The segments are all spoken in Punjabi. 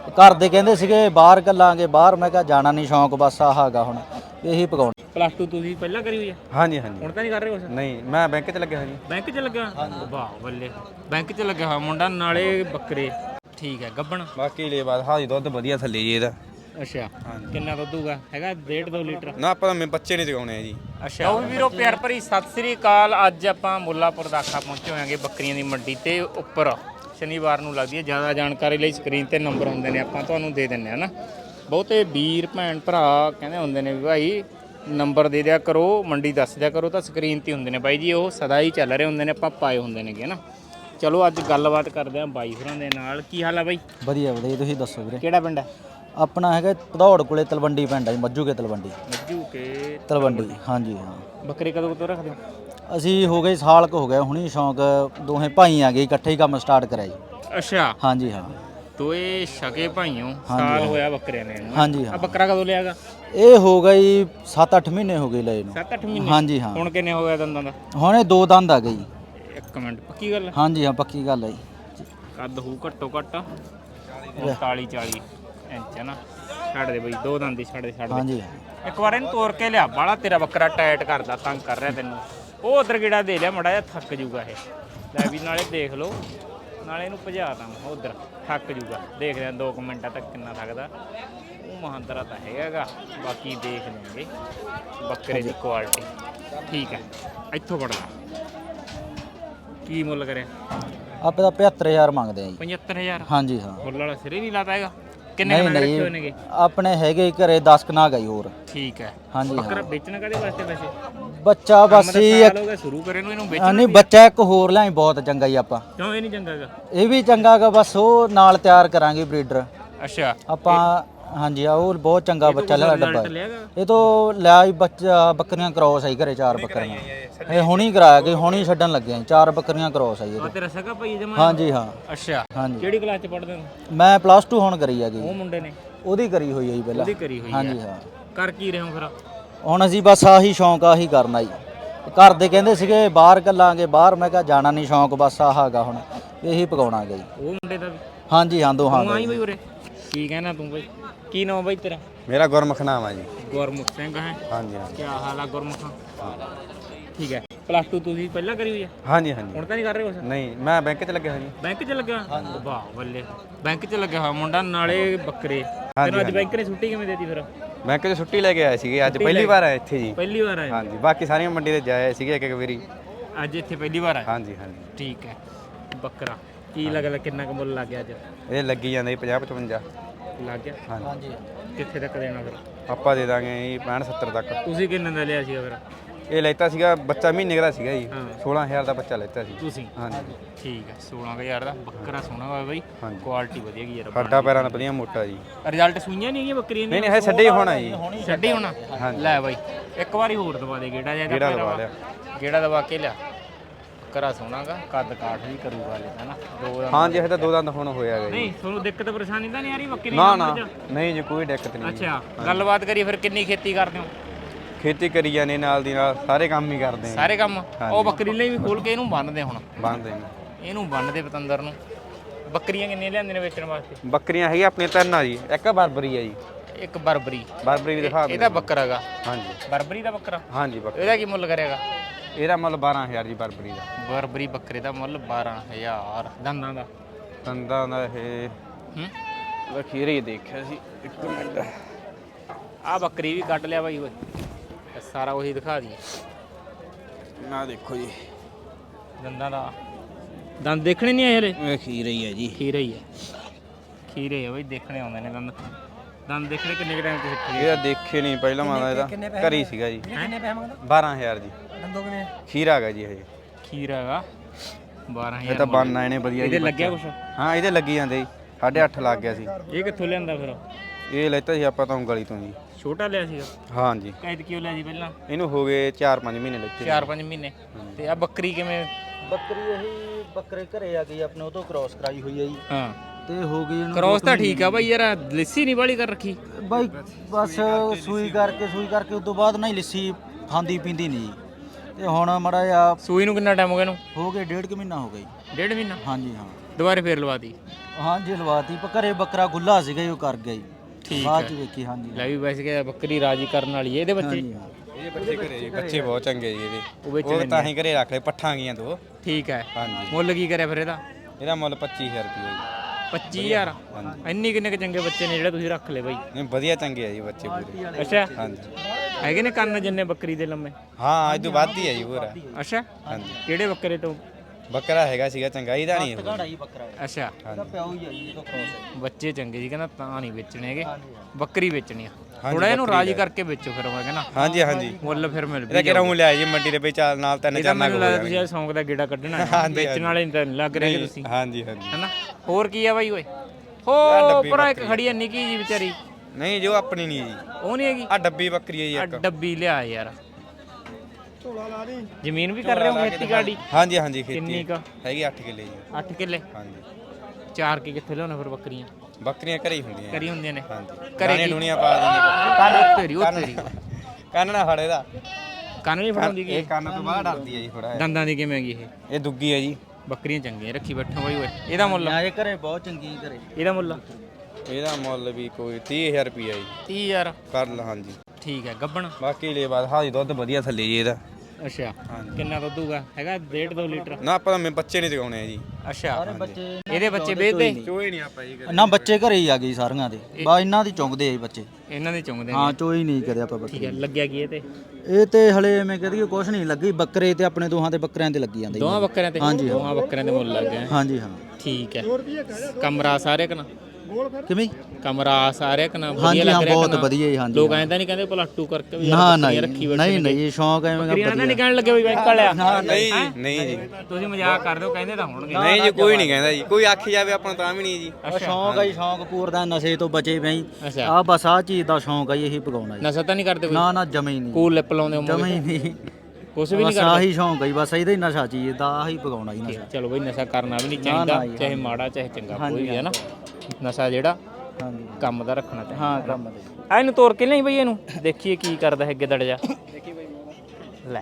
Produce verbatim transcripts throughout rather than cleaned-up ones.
ਘਰ ਦੇ ਕਹਿੰਦੇ ਸੀਗੇ ਬਾਹਰ ਕੱਲਾਂਗੇ ਬਾਹਰ, ਮੈਂ ਕਿਹਾ ਜਾਣਾ ਨਹੀਂ, ਸ਼ੌਂਕ ਬਸ ਆਹ ਹੈਗਾ ਹੁਣ ਇਹੀ ਪਕਾਉਣਾ। ਪਲੱਸ ਟੂ ਤੁਸੀਂ ਪਹਿਲਾਂ ਕਰੀ ਹੋਈ ਹੈ? ਹਾਂਜੀ ਹਾਂਜੀ। ਹੁਣ ਤਾਂ ਨਹੀਂ ਕਰ ਰਹੇ ਕੁਛ? ਨਹੀਂ, ਮੈਂ ਬੈਂਕ 'ਚ ਲੱਗਿਆ ਹੋਇਆ ਜੀ। ਬੈਂਕ 'ਚ ਲੱਗਾ? ਵਾਹ ਬੱਲੇ, ਬੈਂਕ 'ਚ ਲੱਗਿਆ ਹੋਇਆ ਮੁੰਡਾ, ਨਾਲੇ ਬੱਕਰੇ। ਠੀਕ ਹੈ, ਗੱਬਣ ਬਾਕੀ ਲੈ ਬਾਅਦ ਹਾਜੀ ਦੁੱਧ ਵਧੀਆ ਥੱਲੇ ਜੀ ਇਹਦਾ। ਅੱਛਾ, ਕਿੰਨਾ ਦੁੱਧ ਹੋਊਗਾ? ਹੈਗਾ ਡੇਢ ਦੋ ਲੀਟਰ ਨਾ, ਆਪਾਂ ਤਾਂ ਬੱਚੇ ਨਹੀਂ ਚਗਾਉਣੇ ਆ ਜੀ। ਅੱਛਾ, ਉਹ ਵੀ ਵੀਰੋ ਪਿਆਰ ਭਰੀ ਸਤਿ ਸ੍ਰੀ ਅਕਾਲ। ਅੱਜ ਆਪਾਂ ਮੁੱਲਾਪੁਰ ਦਾਖਾ ਪਹੁੰਚੇ ਹੋਵਾਂਗੇ ਬੱਕਰੀਆਂ ਦੀ ਮੰਡੀ ਤੇ ਉੱਪਰ। ਸ਼ਨੀਵਾਰ ਨੂੰ ਲੱਗਦੀ ਹੈ। ਜ਼ਿਆਦਾ ਜਾਣਕਾਰੀ ਲਈ ਸਕਰੀਨ ਤੇ ਨੰਬਰ ਹੁੰਦੇ ਨੇ, ਆਪਾਂ ਤੁਹਾਨੂੰ ਦੇ ਦਿੰਦੇ ਹਾਂ ਨਾ। ਬਹੁਤੇ ਵੀਰ ਭੈਣ ਭਰਾ ਕਹਿੰਦੇ ਹੁੰਦੇ ਨੇ ਵੀ ਭਾਈ ਨੰਬਰ ਦੇ ਦਿਆ ਕਰੋ, ਮੰਡੀ ਦੱਸ ਦਿਆ ਕਰੋ, ਤਾਂ ਸਕਰੀਨ ਤੇ ਹੁੰਦੇ ਨੇ ਬਾਈ ਜੀ, ਉਹ ਸਦਾ ਹੀ ਚੱਲ ਰਹੇ ਹੁੰਦੇ ਨੇ, ਆਪਾਂ ਪਾਏ ਹੁੰਦੇ ਨੇਗੇ ਨਾ। ਚਲੋ ਅੱਜ ਗੱਲਬਾਤ ਕਰਦੇ ਹਾਂ ਬਾਈ ਹੋਰਾਂ ਦੇ ਨਾਲ। ਕੀ ਹਾਲ ਆ ਬਾਈ? ਵਧੀਆ ਵਧੀਆ, ਤੁਸੀਂ ਦੱਸੋ ਵੀਰੇ? ਕਿਹੜਾ ਪਿੰਡ ਹੈ ਆਪਣਾ? ਹੈਗਾ ਭਦੌੜ ਕੋਲੇ ਤਲਵੰਡੀ ਪਿੰਡ ਹੈ ਜੀ, ਮੱਜੂ ਕੇ ਤਲਵੰਡੀ। ਮੱਜੂ ਕੇ ਤਲਵੰਡੀ, ਹਾਂਜੀ ਹਾਂ। ਬੱਕਰੇ ਕਦੋਂ ਕਦੋਂ ਰੱਖਦੇ ਹੋ? ਅਸੀਂ ਹੋ ਗਏ ਸਾਲ ਕੁ ਹੋ ਗਿਆ ਹੁਣੀ, ਸ਼ੌਂਕ ਦੋਹੇ ਭਾਈ ਆ ਗਏ ਇਕੱਠੇ ਹੀ ਕੰਮ ਸਟਾਰਟ ਕਰਿਆ ਜੀ। ਅੱਛਾ, ਹਾਂਜੀ ਹਾਂ। ਦੋਏ ਸ਼ਕੇ ਭਾਈਓ, ਸਾਲ ਹੋਇਆ ਬੱਕਰਿਆਂ ਨੇ। ਹਾਂਜੀ ਆ ਹਾਂ। ਬੱਕਰਾ ਕਦੋਂ ਲਿਆਗਾ? ਇਹ ਹੋ ਗਈ ਸੱਤ ਅੱਠ ਮਹੀਨੇ ਹੋ ਗਏ ਲਏ ਨੂੰ। ਸੱਤ ਅੱਠ ਮਹੀਨੇ? ਹਾਂਜੀ ਹਾਂ। ਹੁਣ ਕਿੰਨੇ ਹੋ ਗਿਆ ਦੰਦਾਂ ਦਾ? ਹੁਣ ਇਹ ਦੋ ਦੰਦ ਆ ਗਏ ਜੀ। ਇੱਕ ਮਿੰਟ, ਪੱਕੀ ਗੱਲ? ਹਾਂਜੀ ਹਾਂ, ਪੱਕੀ ਗੱਲ ਹੈ ਜੀ। ਕੱਦ ਹੋਊ ਘੱਟੋ ਘੱਟ ਚਾਲੀ ਚਾਲੀ ਇੰਚ ਹੈ ਨਾ। ਛੱਡ ਦੇ ਬਈ, ਦੋ ਦੰਦ ਦੀ ਛੱਡ ਦੇ ਛੱਡ ਦੇ। ਹਾਂਜੀ ਹਾਂ। ਇੱਕ ਵਾਰ ਇਹਨੂੰ ਤੋੜ ਕੇ ਲਿਆ, ਬਾਹਲਾ ਤੇਰਾ ਬੱਕਰਾ ਟਾਈਟ ਕਰਦਾ, ਤੰਗ ਕਰ ਰਿਹਾ ਤੈਨੂੰ। ਉਹ ਉਧਰ ਗੇੜਾ ਦੇ ਲਿਆ, ਮੜਾ ਜਿਹਾ ਥੱਕ ਜੂਗਾ ਇਹ। ਲੈ ਵੀ ਨਾਲੇ ਦੇਖ ਲਓ, ਨਾਲੇ ਇਹਨੂੰ ਭਜਾ ਦਾਂ ਉਧਰ, ਥੱਕ ਜੂਗਾ। ਦੇਖ ਲਿਆ ਦੋ ਕੁ ਮਿੰਟਾਂ ਤੱਕ ਕਿੰਨਾ ਥੱਕਦਾ। ਉਹ ਮਹਾਂਦਰਾ ਤਾਂ ਹੈਗਾ, ਬਾਕੀ ਦੇਖ ਲੈਂਗੇ ਬੱਕਰੇ ਦੀ ਕੁਆਲਿਟੀ। ਠੀਕ ਹੈ, ਇੱਥੋਂ ਪੜਦਾ ਕੀ ਮੁੱਲ ਕਰਿਆ? ਆਪੇ ਦਾ ਪਝੱਤਰ ਹਜ਼ਾਰ ਮੰਗਦੇ ਆ ਜੀ। ਪਝੱਤਰ ਹਜ਼ਾਰ? ਹਾਂਜੀ ਹਾਂ। ਮੁੱਲ ਵਾਲਾ ਸਿਰੇ ਨਹੀਂ ਲਾਤਾ ਹੈਗਾ? ਕਿੰਨੇ ਨਹੀਂ ਕਨਾਲ ਰੱਖੇ ਹੋਏ ਨਹੀਂ, ਨੇਗੇ? ਆਪਣੇ ਹੈਗੇ ਘਰੇ ਦਸ ਕਨਾਗ ਗਈ ਹੋਰ। ਠੀਕ ਹੈ। ਹਾਂਜੀ ਬੱਕਰਾ ਹਾਂ। ਵੇਚਣਾ ਕਾਹਦੇ ਵਾਸਤੇ ਵੈਸੇ? ਬੱਚਾ ਬਸ ਹੀ ਸਾਲ ਹੋ ਗਿਆ ਸ਼ੁਰੂ ਕਰੇ ਨੂੰ, ਇਹਨੂੰ ਹਾਂ, ਵੇਚਣਾ ਨਹੀਂ ਬੱਚਾ ਇੱਕ ਹੋਰ ਲਿਆਈ, ਬਹੁਤ ਚੰਗਾ ਹੀ ਆਪਾਂ। ਕਿਉਂ ਇਹ ਨਹੀਂ ਚੰਗਾ ਹੈਗਾ? ਇਹ ਵੀ ਚੰਗਾ ਗਾ, ਬਸ ਉਹ ਨਾਲ ਤਿਆਰ ਕਰਾਂਗੇ ਬਰੀਡਰ ਅੱਛਾ, ਆਪਾਂ। ਹਾਂਜੀ ਆ, ਉਹ ਬਹੁਤ ਚੰਗਾ ਬੱਚਾ ਲਿਆ ਡੱਬਾ। ਲਿਆਗਾ? ਇਹ ਤੋਂ ਲਿਆ ਹੀ ਬੱਚਾ, ਬੱਕਰੀਆਂ ਕ੍ਰੋਸ ਆਈ ਘਰੇ, ਚਾਰ ਬੱਕਰੀਆਂ ਇਹ ਹੁਣੀ ਕਰਾਇਆ ਕਿ ਹੁਣੀ ਛੱਡਣ ਲੱਗੇ ਆਂ, ਚਾਰ ਬੱਕਰੀਆਂ ਕ੍ਰੋਸ ਆਈ ਆ ਇਹਦੇ। ਤੇਰਾ ਸਗਾ ਭਾਈ ਜਮਾ? ਹਾਂਜੀ ਹਾਂ। ਅੱਛਾ, ਹਾਂਜੀ। ਕਿਹੜੀ ਕਲਾਸ ਚ ਪੜ੍ਹਦੇ ਹੋ? ਮੈਂ ਪਲੱਸ ਟੂ ਹੁਣ ਕਰੀ ਹੈਗੀ। ਉਹ ਮੁੰਡੇ ਨੇ? ਉਹਦੀ ਕਰੀ ਹੋਈ ਹੈ ਜੀ ਪਹਿਲਾਂ। ਉਹਦੀ ਕਰੀ ਹੋਈ ਹੈ? ਹਾਂਜੀ ਹਾਂ। ਕਰ ਕੀ ਰਹੇ ਹੋ ਫਿਰ? ਹੁਣ ਅਸੀਂ ਬਸ ਆਹੀ ਸ਼ੌਂਕ ਆਹੀ ਕਰਨਾ ਜੀ। ਘਰ ਦੇ ਕਹਿੰਦੇ ਸੀਗੇ ਬਾਹਰ ਕੱਲਾਂਗੇ ਬਾਹਰ, ਮੈਂ ਕਿਹਾ ਜਾਣਾ ਨਹੀਂ, ਸ਼ੌਂਕ ਬਸ ਆਹ ਹੈਗਾ ਹੁਣ ਇਹੀ ਪਕਾਉਣਾ ਗਾ ਜੀ। ਉਹ ਮੁੰਡੇ ਦਾ ਵੀ? ਹਾਂਜੀ ਹਾਂ, ਦੋਹਾਂ ਤੂੰ ਦਾ ਆਈ ਜੀ। ਬਈ ਉਰੇ? ਕੀ ਕਹਿਣਾ ਤੂੰ ਬਈ? ਕੀ ਨਾਮ ਬਈ ਤੇਰਾ? ਮੇਰਾ ਗੁਰਮੁਖ ਨਾਮ ਆ ਜੀ। ਗੁਰਮੁਖ ਸਿੰਘ ਹੈ? ਹਾਂਜੀ ਹਾਂ। ਕੀ ਹਾਲ ਆ ਗੁਰਮੁਖ? ਠੀਕ ਹੈ। ਪਲੱਸ ਟੂ ਤੁਸੀਂ ਪਹਿਲਾਂ ਕਰੀ ਹੋਈ ਹੈ? ਹਾਂਜੀ ਹਾਂਜੀ। ਹੁਣ ਤਾਂ ਨਹੀਂ ਕਰ ਰਹੇ ਕੁਛ? ਨਹੀਂ, ਮੈਂ ਬੈਂਕ 'ਚ ਲੱਗਿਆ ਹੋਇਆ ਜੀ। ਬੈਂਕ 'ਚ ਲੱਗਾ? ਵਾਹ ਬੱਲੇ, ਬੈਂਕ 'ਚ ਲੱਗਿਆ ਹੋਇਆ ਮੁੰਡਾ, ਨਾਲੇ ਬੱਕਰੇ। ਤੈਨੂੰ ਅੱਜ ਬੈਂਕ ਨੇ ਛੁੱਟੀ ਕਿਵੇਂ ਦੇਤੀ ਫਿਰ? ਬੈਂਕ 'ਚ ਛੁੱਟੀ ਲੈ ਕੇ ਆਏ ਸੀਗੇ, ਅੱਜ ਪਹਿਲੀ ਵਾਰ ਆਏ ਇੱਥੇ ਜੀ। ਪਹਿਲੀ ਵਾਰ ਆਏ? ਹਾਂਜੀ, ਬਾਕੀ ਸਾਰੀਆਂ ਮੰਡੀ ਤੇ ਜਾਏ ਸੀਗੇ ਇੱਕ ਇੱਕ ਵਾਰੀ। ਅੱਜ ਇੱਥੇ ਪਹਿਲੀ ਵਾਰ ਆਏ? ਹਾਂਜੀ ਹਾਂਜੀ। ਠੀਕ ਹੈ। ਬੱਕਰਾ ਕੀ ਲੱਗਦਾ, ਕਿੰਨਾ ਕੁ ਮੁੱਲ ਲੱਗ ਗਿਆ ਅੱਜ? ਇਹ ਲੱਗੀ ਜਾਂਦੇ ਜੀ ਪੰਜਾਹ ਪਚਵੰਜਾ ਲੱਗ ਗਿਆ? ਹਾਂਜੀ। ਕਿੱਥੇ ਤੱਕ ਦੇਣਾ ਫਿਰ? ਆਪਾਂ ਦੇ ਦਾਂਗੇ ਜੀ ਪੈਂਹਠ ਸੱਤਰ ਤੱਕ। ਤੁਸੀਂ ਕਿੰਨੇ ਦਾ ਲਿਆ ਸੀਗਾ ਫਿਰ? ਇਹ ਲੈਤਾ ਸੀਗਾ ਬੱਚਾ ਮਹੀਨੇ ਦਾ ਸੀਗਾ ਜੀ, ਹਾਂ। ਸੋਲਾਂ ਹਜ਼ਾਰ ਦਾ ਬੱਚਾ ਲੈਤਾ ਸੀ ਤੁਸੀਂ? ਹਾਂਜੀ। ਠੀਕ ਹੈ, ਸੋਲਾਂ ਹਜ਼ਾਰ ਦਾ ਬੱਕਰਾ ਸੋਹਣਾ ਹੋਇਆ ਬਾਈ, ਹਾਂਜੀ। ਕੁਆਲਿਟੀ ਵਧੀਆ ਗਈ ਯਾਰ। ਹੱਡਾ ਪੈਰਾਂ ਦਾ ਵਧੀਆ ਮੋਟਾ ਜੀ। ਰਿਜ਼ਲਟ ਸੂਈਆਂ ਨਹੀਂ ਹੈਗੀਆਂ ਬੱਕਰੀਆਂ ਨਹੀਂ ਨਹੀਂ, ਇਹ ਛੱਡੇ ਹੀ ਹੋਣਾ ਜੀ। ਛੱਡੀ ਹੋਣਾ? ਹਾਂਜੀ। ਲੈ ਬਾਈ ਇੱਕ ਵਾਰੀ ਹੋਰ ਦਵਾ ਦੇ ਗੇੜਾ ਜਿਹਾ। ਗੇੜਾ ਦਵਾ ਲਿਆ। ਗੇੜਾ ਦਵਾ ਕੇ ਲਿਆ। ਬੱਕਰਾ ਸੋਹਣਾਗਾ, ਕੱਦ ਕਾਠ ਵੀ ਕਰੂਗਾ ਲੈ ਹੈ ਨਾ। ਦੋ ਦੰਦ? ਹਾਂਜੀ, ਇਹ ਤਾਂ ਦੋ ਦੰਦ ਹੁਣ ਹੋਇਆ ਗਿਆ ਜੀ। ਨਹੀਂ ਤੁਹਾਨੂੰ ਦਿੱਕਤ ਪਰੇਸ਼ਾਨੀ ਤਾਂ ਨਹੀਂ ਆ ਰਹੀ ਬੱਕਰੀ ਨਾ ਨਾ, ਨਹੀਂ ਜੀ ਕੋਈ ਦਿੱਕਤ ਨਹੀਂ। ਅੱਛਾ, ਗੱਲਬਾਤ ਕਰੀਏ ਫਿਰ, ਕਿੰਨੀ ਖੇਤੀ ਕਰਦੇ ਹੋ? ਖੇਤੀ ਕਰੀ ਜਾਂਦੇ ਨਾਲ ਦੀ ਨਾਲ, ਸਾਰੇ ਕੰਮ ਹੀ ਕਰਦੇ ਆ। ਸਾਰੇ ਕੰਮ? ਉਹ ਬੱਕਰੀ ਲਈ ਵੀ ਖੋਲ ਕੇ ਇਹਨੂੰ ਬੰਨਦੇ ਹੁਣ? ਬੰਨਦੇ ਨੇ। ਇਹਨੂੰ ਬੰਨਦੇ ਪਤੰਦਰ ਨੂੰ। ਬੱਕਰੀਆਂ ਕਿੰਨੀਆਂ ਲਿਆਂਦੇ ਨੇ ਵੇਚਣ ਵਾਸਤੇ? ਬੱਕਰੀਆਂ ਹੈਗੀਆਂ ਆਪਣੀਆਂ ਤਿੰਨ ਆ ਜੀ, ਇੱਕ ਬਰਬਰੀ ਆ ਜੀ। ਇੱਕ ਬਰਬਰੀ? ਬਰਬਰੀ ਵੀ ਦਿਖਾ ਦਿਓ। ਇਹਦਾ ਬੱਕਰਾ ਹੈਗਾ? ਹਾਂਜੀ। ਬਰਬਰੀ ਦਾ ਬੱਕਰਾ? ਹਾਂਜੀ ਬੱਕਰਾ। ਇਹਦਾ ਕੀ ਮੁੱਲ ਕਰੇਗਾ? ਇਹਦਾ ਮੁੱਲ ਬਾਰਾਂ ਹਜ਼ਾਰ ਜੀ ਬਰਬਰੀ ਦਾ। ਬਰਬਰੀ ਬੱਕਰੇ ਦਾ ਮੁੱਲ ਬਾਰਾਂ ਹਜ਼ਾਰ। ਦੰਦਾਂ ਦਾ? ਦੰਦਾਂ ਦਾ ਇਹ ਹੂੰ, ਵਖੀਰੇ ਹੀ ਦੇਖਿਆ ਸੀ, ਇੱਕ ਮਿੰਟ। ਆ ਬੱਕਰੀ ਵੀ ਕੱਟ ਲਿਆ ਬਾਈ ਓਏ, ਸਾਰਾ ਉਹੀ ਦਿਖਾ ਦੀ। ਨਾ ਦੇਖੋ ਜੀ, ਦੰਦਾਂ ਦਾ ਦੰਦ ਦੇਖਣੇ ਨਹੀਂ ਆਏ ਹਲੇ? ਵਖੀਰੇ ਹੀ ਹੈ ਜੀ। ਖੀਰੇ ਹੀ ਹੈ, ਖੀਰੇ ਆ ਬਾਈ, ਦੇਖਣੇ ਆਉਂਦੇ ਨੇ ਦੰਦ। ਦੰਦ ਦੇਖਣੇ ਕਿੰਨੇ ਕੁ ਟਾਈਮ ਤੇ ਸਿੱਖੀ? ਇਹਦਾ ਦੇਖੇ ਨਹੀਂ ਪਹਿਲਾਂ ਮਾਦਾ, ਇਹਦਾ ਘਰੀ ਸੀਗਾ ਜੀ। ਕਿੰਨੇ ਪੈਸੇ ਮੰਗਦਾ? ਬਾਰਾਂ ਹਜ਼ਾਰ ਜੀ। ਦੰਦੋਂ ਕਿੰਨੇ? ਖੀਰਾ ਹੈਗਾ ਜੀ ਇਹ। ਖੀਰਾ ਹੈਗਾ ਬਾਰਾਂ ਹਜ਼ਾਰ। ਇਹ ਤਾਂ ਬਣਨਾ ਇਹਨੇ ਵਧੀਆ ਜੀ। ਇਹਦੇ ਲੱਗਿਆ ਕੁਛ? ਹਾਂ, ਇਹਦੇ ਲੱਗੀ ਜਾਂਦੇ ਜੀ, ਸਾਢੇ ਅੱਠ ਲੱਗ ਗਿਆ ਸੀ। ਇਹ ਕਿੱਥੋਂ ਲਿਆਂਦਾ ਫਿਰ? ਇਹ ਲੈਤਾ ਸੀ ਆਪਾਂ ਤਾਂ ਉਂਗਲੀ ਤੋਂ ਜੀ। ਛੋਟਾ ਲਿਆ ਸੀਗਾ? ਹਾਂਜੀ। ਕੈਦ ਕਿਉਂ ਲਿਆ ਸੀ ਪਹਿਲਾਂ? ਇਹਨੂੰ ਹੋ ਗਏ ਚਾਰ ਪੰਜ ਮਹੀਨੇ ਲੈਤੇ। ਚਾਰ ਪੰਜ ਮਹੀਨੇ। ਤੇ ਆ ਬੱਕਰੀ ਕਿਵੇਂ? ਬੱਕਰੀ ਇਹੀ ਬੱਕਰੇ ਘਰੇ ਆ ਗਈ ਆਪਣੇ, ਉਹ ਤੋਂ ਕ੍ਰੋਸ ਕਰਾਈ ਹੋਈ ਹੈ ਜੀ। ਹਾਂ, ਤੇ ਹੋ ਗਈ ਇਹਨੂੰ ਕ੍ਰੋਸ ਤਾਂ ਠੀਕ ਆ ਬਾਈ ਯਾਰ, ਲੱਸੀ ਨਹੀਂ ਵਾਲੀ ਕਰ ਰੱਖੀ ਬਾਈ। ਬਸ ਸੂਈ ਕਰਕੇ ਸੂਈ ਕਰਕੇ ਉਸ ਤੋਂ ਬਾਅਦ ਨਾ ਹੀ ਲੱਸੀ ਖਾਂਦੀ ਪੀਂਦੀ ਨਹੀਂ ਜੀ। ਤੇ ਹੁਣ ਮੜਾ ਜਿਹਾ ਸੂਈ ਨੂੰ ਕਿੰਨਾ ਟਾਈਮ ਹੋ ਗਿਆ ਇਹਨੂੰ? ਹੋ ਗਏ ਡੇਢ ਕੁ ਮਹੀਨਾ ਹੋ ਗਿਆ ਜੀ। ਡੇਢ ਮਹੀਨਾ? ਹਾਂਜੀ ਹਾਂ। ਦੁਬਾਰੇ ਫੇਰ ਲਵਾ ਦੀ? ਹਾਂਜੀ ਲਵਾਤੀ ਪਰ ਘਰੇ ਬੱਕਰਾ ਖੁੱਲਾ ਸੀਗਾ ਜੀ, ਉਹ ਕਰ ਗਿਆ ਜੀ। ਠੀਕ ਬਾਅਦ ਹੈ। ਚ ਵੇਖੀ ਹਾਂਜੀ ਲੈ ਵੀ ਵੈਸੇ ਕਿ ਬੱਕਰੀ ਰਾਜੀ ਕਰਨ ਵਾਲੀ ਹੈ। ਇਹਦੇ ਬੱਚੇ ਹਾਂਜੀ ਹਾਂ। ਇਹਦੇ ਬੱਚੇ ਘਰੇ ਜੀ, ਬੱਚੇ ਬਹੁਤ ਚੰਗੇ ਜੀ ਇਹਦੇ। ਉਹ ਵਿੱਚ ਉਹ ਤਾਂ ਹੀ ਘਰੇ ਰੱਖ ਲਏ, ਪੱਠਾਂ ਗਈਆਂ ਦੋ। ਠੀਕ ਹੈ। ਹਾਂਜੀ ਮੁੱਲ ਕੀ ਕਰਿਆ ਫਿਰ ਇਹਦਾ? ਇਹਦਾ ਮੁੱਲ ਪੱਚੀ ਹਜ਼ਾਰ ਰੁਪਏ ਜੀ। ਪੱਚੀ ਹਜ਼ਾਰ? ਹਾਂਜੀ ਇੰਨੀ ਕਿੰਨੇ ਕੁ ਚੰਗੇ ਬੱਚੇ ਨੇ ਜਿਹੜੇ ਤੁਸੀਂ ਰੱਖ ਲਏ ਬਾਈ? ਨਹੀਂ ਵਧੀਆ ਚੰਗੇ ਆ ਜੀ ਬੱਚੇ ਪੂਰੇ। ਅੱਛਾ, ਹਾਂਜੀ ਹੈਗੇ ਨੇ ਕੰਨ ਜਿੰਨੇ ਬੱਕਰੀ ਦੇ ਲੰਮੇ? ਹਾਂ ਇਹ ਤੋਂ ਵੱਧ ਹੀ ਹੈ ਜੀ ਪੂਰਾ। ਅੱਛਾ, ਹਾਂਜੀ ਕਿਹੜੇ ਬੱਕਰੇ ਤੋਂ? ਬੱਕਰਾ ਹੈਗਾ ਸੀਗਾ ਚੰਗਾ, ਇਹਦਾ ਨਹੀਂ ਘਾੜਾ ਹੀ ਬੱਕਰਾ ਅੱਛਾ, ਹਾਂਜੀ ਪਿਓ ਹੀ ਆ ਜੀ, ਇਹ ਤੋਂ ਕ੍ਰੋਸ ਹੈ। ਬੱਚੇ ਚੰਗੇ ਜੀ, ਕਹਿੰਦਾ ਤਾਂ ਨਹੀਂ ਵੇਚਣੇ ਹੈਗੇ, ਬੱਕਰੀ ਵੇਚਣੀ ਆ। ਹਾਂਜੀ, ਥੋੜਾ ਇਹਨੂੰ ਬੱਕਰੀ ਰਾਜੀ ਦਾ। ਕਰਕੇ ਵੇਚੋ ਫਿਰ, ਮੈਂ ਕਹਿੰਦਾ ਹਾਂਜੀ ਹਾਂਜੀ ਮੁੱਲ ਫਿਰ ਮਿਲ ਇਹਦਾ ਵੀ ਕਿਹੜਾ ਉਹ ਲਿਆ ਜੀ ਮੰਡੀ ਦੇ ਵਿੱਚ ਨਾਲ ਤਿੰਨ ਇਹਦਾ ਚਾਰ ਮੈਨੂੰ ਲੱਗ ਲੱਗਦਾ ਹੋ ਤੁਸੀਂ ਜਾਣਗੇ। ਇਹ ਸੌਂਗ ਦਾ ਗੇੜਾ ਕੱਢਣਾ ਹੈ। ਹਾਂਜੀ, ਵੇਚਣ ਹਾਂਜੀ। ਵਾਲੇ ਨਹੀਂ ਲੱਗ ਰਹੇ ਕਿ ਤੁਸੀਂ, ਹਾਂਜੀ ਹਾਂਜੀ ਹੈਨਾ? ਹੋਰ ਕੀ ਆ ਬਾਈ ਓਏ? ਆਹ ਹੋ ਡੱਬੀ ਭਰਾ ਇੱਕ ਬੱਕਰੀ। ਖੜੀ ਆ ਨਿੱਕੀ ਜੀ ਵਿਚਾਰੀ, ਨਹੀਂ ਜੋ ਆਪਣੀ ਨਹੀਂ ਜੀ, ਉਹ ਨਹੀਂ ਹੈਗੀ? ਆ ਡੱਬੀ ਬੱਕਰੀ ਹੈ ਜੀ ਆ ਇੱਕ। ਡੱਬੀ ਲਿਆ ਯਾਰ। ਜ਼ਮੀਨ ਵੀ ਕਰ ਰਹੇ ਹੋ ਖੇਤੀ ਗਾੜੀ? ਹਾਂਜੀ ਹਾਂਜੀ ਕਿੰਨੀ ਖੇਤੀ ਕੁ? ਹੈਗੀ ਅੱਠ ਕਿੱਲੇ ਜੀ। ਅੱਠ ਕਿੱਲੇ? ਹਾਂਜੀ ਚਾਰ ਕੀ ਕਿੱਥੇ ਲਿਆਉਣਾ ਫਿਰ ਬੱਕਰੀਆਂ? ਬੱਕਰੀਆਂ ਘਰੇ ਹੀ ਹੁੰਦੀਆਂ ਕਰੀ ਹੁੰਦੀਆਂ ਨੇ ਹਾਂਜੀ ਘਰੇ ਦਾਣੇ ਕੀ? ਡੂਣੀਆਂ ਪਾ ਦਿੰਦੇ ਕੰਨ ਤੇਰੀ ਉਹ ਤੇਰੀ ਕੰਨ ਨਾ ਫੜ ਇਹਦਾ। ਕੰਨ ਨਹੀਂ ਫੜਾਉਂਦੀ ਇਹ ਕੀ? ਕੰਨ ਤੋਂ ਬਾਹਰ ਡਰਦੀ ਹੈ ਜੀ ਥੋੜਾ। ਦੰਦਾਂ ਦੀ ਕਿਵੇਂ ਹੈਗੀ ਇਹ? ਇਹ ਦੁੱਗੀ ਹੈ ਜੀ। ਬੱਕਰੀਆਂ ਚੰਗੀਆਂ ਰੱਖੀ ਬੈਠਾ ਬਾਈ ਓਏ। ਇਹਦਾ ਮੁੱਲ? ਆ ਇਹ ਘਰੇ ਬਹੁਤ ਚੰਗੀ ਘਰੇ। ਇਹਦਾ ਮੁੱਲ ਇਹਦਾ ਮੁੱਲ ਵੀ ਕੋਈ ਤੀਹ ਹਜ਼ਾਰ ਰੁਪਈਆ ਜੀ। ਤੀਹ ਹਜ਼ਾਰ? ਕਰ ਲ ਹਾਂਜੀ। ਠੀਕ ਹੈ। ਗੱਬਣ? ਬਾਕੀ ਲੈ ਬਾਅਦ ਹਾਜੀ ਦੁੱਧ ਵਧੀਆ ਥੱਲੇ ਜੀ ਇਹਦਾ। ਅੱਛਾ, ਹਾਂਜੀ। ਕਿੰਨਾ ਦੁੱਧ ਹੋਊਗਾ? ਹੈਗਾ ਡੇਢ ਦੋ ਲੀਟਰ? ਨਾ ਆਪਾਂ ਮੈਂ ਬੱਚੇ ਨਹੀਂ ਚਗਾਉਣੇ ਆ ਜੀ। ਅੱਛਾ, ਸਾਰੇ ਬੱਚੇ ਇਹਦੇ ਬੱਚੇ ਵੇਚਦੇ? ਚੋਏ ਨਹੀਂ ਆਪਾਂ ਜੀ ਨਾ ਬੱਚੇ ਘਰੇ ਹੀ ਆ ਗਈ ਸਾਰੀਆਂ ਦੇ, ਬਾ ਇਹਨਾਂ ਦੀ ਚੁੰਗਦੇ ਆ ਜੀ ਬੱਚੇ। ਇਹਨਾਂ ਦੇ ਚੁੰਗਦੇ ਹਾਂ ਨੇ? ਚੋਈ ਨਹੀਂ ਕਰਿਆ ਆਪਾਂ ਠੀਕ ਬੱਕਰੀ। ਹੈ। ਲੱਗਿਆ ਕੀ ਇਹ ਤੇ? ਇਹ ਤੇ ਹਲੇ ਐਵੇਂ ਕਹਦੀ ਕੁਛ ਨਹੀਂ ਲੱਗੀ, ਬੱਕਰੇ ਤੇ ਆਪਣੇ ਦੋਹਾਂ ਤੇ ਬੱਕਰਿਆਂ ਤੇ ਲੱਗੀ ਜਾਂਦੇ ਜੀ। ਦੋਹਾਂ ਬੱਕਰਿਆਂ ਤੇ? ਹਾਂਜੀ, ਹਾਂ। ਦੋਹਾਂ ਬੱਕਰਿਆਂ ਦੇ ਮੁੱਲ ਲੱਗ ਗਏ। ਹਾਂਜੀ ਹਾਂ। ਠੀਕ ਹੈ। ਕਮਰਾ ਸਾਰੇ ਕਨਾ? ਕਿਵੇਂ? ਕਮਰਾ ਸਾਰੇ ਕਨਾ ਵਧੀਆ ਹਾਂਜੀ ਲੱਗ ਹਾਂ ਰਿਹਾ? ਬਹੁਤ ਕਨਾ? ਵਧੀਆ ਜੀ। ਹਾਂਜੀ ਲੋਕ ਹਾਂ। ਐਂ ਤਾਂ ਨਹੀਂ ਕਹਿੰਦੇ ਪਲਾਟੂ ਕਰਕੇ ਵੀ ਯਾਰ ਨਾ ਬੱਕਰੀਆਂ ਨਹੀਂ ਰੱਖੀ ਬੈਠੇ ਨਹੀਂ ਨੇ? ਨਹੀਂ ਸ਼ੌਂਕ ਐਵੇਂ ਦਾ ਬੱਕਰੀਆਂ ਤਾਂ ਨਹੀਂ ਵਧੀਆ। ਕਹਿਣ ਲੱਗੇ ਵੀ ਬੈਂਕ ਵਾਲਿਆ? ਨਹੀਂ ਜੀ ਨਹੀਂ ਜੀ ਤੁਸੀਂ ਮਜ਼ਾਕ ਕਰਦੇ ਹੋ, ਕਹਿੰਦੇ ਤਾਂ ਹੋਣਗੇ। ਨਹੀਂ ਜੀ ਕੋਈ ਨਹੀਂ ਕਹਿੰਦਾ ਜੀ, ਕੋਈ ਆਖੀ ਜਾਵੇ ਆਪਾਂ ਨੂੰ ਤਾਂ ਵੀ ਨਹੀਂ ਜੀ। ਆ ਸ਼ੌਂਕ ਆ ਜੀ, ਸ਼ੌਂਕ ਪੂਰਦਾ ਨਸ਼ੇ ਤੋਂ ਬਚੇ ਬਈ। ਅੱਛਾ, ਆ ਬਸ ਆ ਚੀਜ਼ ਦਾ ਸ਼ੌਂਕ ਆ ਜੀ, ਇਹੀ ਪਕਾਉਣਾ ਜੀ। ਨਸ਼ਾ ਤਾਂ ਨਹੀਂ ਕਰਦੇ ਕੋਈ? ਨਾ ਨਾ ਜਮੇ ਹੀ ਨਹੀਂ, ਕੂਲ ਲਿਪ ਲਾਉਂਦੇ ਹੋ? ਜਮੇ ਹੀ ਨਹੀਂ। ਕੁਛ ਵੀ ਨਹੀਂ ਬਸ ਕਰਦੇ? ਆਹੀ ਸ਼ੌਂਕ ਆ ਜੀ, ਬਸ ਇਹਦਾ ਹੀ ਨਸ਼ਾ ਚੀਜ਼ ਦਾ ਆਹੀ ਪਕਾਉਣਾ ਜੀ ਨਸ਼ਾ। ਚਲੋ ਬਈ, ਨਸ਼ਾ ਕਰਨਾ ਵੀ ਨਹੀਂ ਨਾ, ਚਾਹੀਦਾ, ਨਾ ਜੀ, ਚਾਹੇ ਹਾਂਜੀ। ਮਾੜਾ ਚਾਹੇ ਚੰਗਾ, ਕੋਈ ਹਾਂਜੀ, ਵੀ ਹੈ ਨਾ। ਨਸ਼ਾ ਜਿਹੜਾ ਹਾਂਜੀ ਕੰਮ ਦਾ ਰੱਖਣਾ ਚਾਹੀਦਾ। ਹਾਂ ਕੰਮ ਦੇ। ਆ ਇਹਨੂੰ ਤੋੜ ਕੇ ਨਹੀਂ ਬਈ, ਇਹਨੂੰ ਦੇਖੀਏ ਕੀ ਕਰਦਾ ਹੈ ਗਿੱਦੜ ਜਾ। ਲੈ,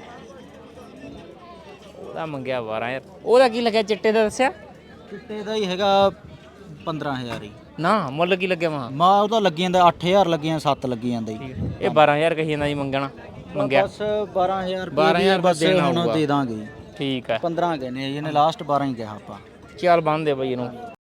ਉਹਦਾ ਮੰਗਿਆ ਬਾਰਾਂ ਹਜ਼ਾਰ। ਉਹਦਾ ਕੀ ਲੱਗਿਆ ਚਿੱਟੇ ਦਾ ਦੱਸਿਆ? ਚਿੱਟੇ ਦਾ ਹੀ ਹੈਗਾ ਪੰਦਰਾਂ ਹਜ਼ਾਰ ਹੀ। ਨਾ ਮੁੱਲ ਕੀ ਲੱਗਿਆ ਮਹਾ? ਮਾ ਉਹਦਾ ਲੱਗੀ ਜਾਂਦਾ ਅੱਠ ਹਜ਼ਾਰ ਲੱਗੀ ਸੱਤ ਲੱਗੀ ਜਾਂਦਾ ਜੀ। ਇਹ ਬਾਰਾਂ ਹਜ਼ਾਰ ਕਹੀ ਜਾਂਦਾ ਜੀ ਮੰਗਣਾ। ਮੰਗਿਆ ਬਸ ਬਾਰਾਂ ਹਜ਼ਾਰ ਬਾਰਾਂ ਹਜ਼ਾਰ ਬਸ ਦੇਣਾ ਹੁਣ ਹੋਊਗਾ। ਦੇ ਦਾਂਗੇ। ਠੀਕ ਹੈ। ਪੰਦਰਾਂ ਕਹਿੰਦੇ ਆ ਜੀ, ਇਹਨੇ ਲਾਸਟ ਬਾਰਾਂ ਹੀ ਕਿਹਾ ਆਪਾਂ। ਚੱਲ ਬੰਦ ਦੇ ਬਈ ਇਹਨੂੰ।